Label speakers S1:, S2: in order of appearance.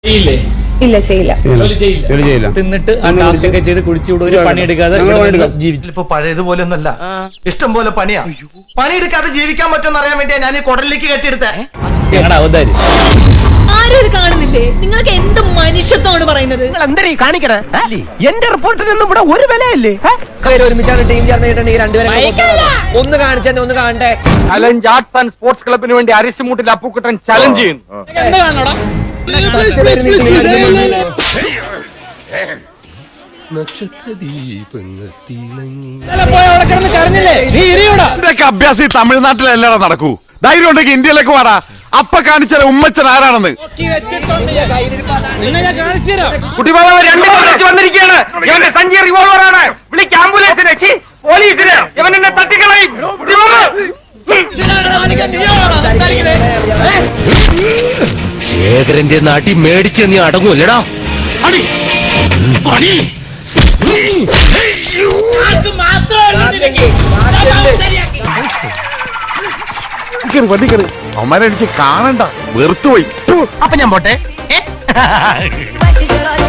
S1: ഇല്ല, ചെയ്യില്ല.
S2: തിന്നിട്ട് ആ ടാസ്ക് ഒക്കെ ചെയ്ത് കുടിച്ചുകൂടെ ഒരു പണിയെടുക്കാതെ ജീവിച്ചു.
S3: ഇപ്പൊ പഴയതുപോലെ ഒന്നല്ല, ഇഷ്ടം പോലെ പണിയാ. പണിയെടുക്കാതെ ജീവിക്കാൻ പറ്റുമെന്ന് അറിയാൻ വേണ്ടിയാ ഞാൻ ഈ കുടലിലേക്ക് കെട്ടിയെടുത്തേ.
S2: ഞങ്ങളുടെ അവതാരി
S1: ആരും ഇത് കാണുന്നില്ലേ? നിങ്ങൾക്ക് എന്ത് മനുഷ്യത്വമാണ് പറയുന്നത്?
S4: എന്തരീ കാണിക്കണേ? എന്റെ റിപ്പോർട്ടിനൊന്നും ഇവിടെ ഒരു വിലയില്ലേ?
S5: ഒരുമിച്ചാണ് ടീം ചേർന്നിട്ടുണ്ടെങ്കിൽ രണ്ടുപേരും ഒന്ന് കാണിച്ചെന്നെ ഒന്ന് കാണട്ടെ.
S4: ചലഞ്ച് ആർട്സ് ആൻഡ് സ്പോർട്സ് ക്ലബിന് വേണ്ടി അരിശുമൂട്ടിൽ അപ്പുക്കുട്ടൻ ചലഞ്ച് ചെയ്യുന്നു.
S6: അഭ്യാസം തമിഴ്നാട്ടിലല്ലാതെ നടക്കൂ. ധൈര്യം ഉണ്ടെങ്കിൽ ഇന്ത്യയിലേക്ക് വാടാ. അപ്പ കാണിച്ച ഉമ്മച്ചൻ ആരാണെന്ന്
S4: വന്നിരിക്കുകയാണ്. ഇവന്റെ സഞ്ചി റിവോൾവറാണ്. വിളിക്ക് ആംബുലൻസിനെ, പോലീസിനെ. ഇവൻ എന്നെ തട്ടിക്കളയും.
S5: ശേഖരന്റെ നാട്ടിൽ മേടിച്ച് നീ അടങ്ങൂല്ലടാ.
S6: അവന്മാരെ എനിക്ക് കാണണ്ട, വെറുത്തുപോയി.
S4: അപ്പൊ ഞാൻ പോട്ടെ.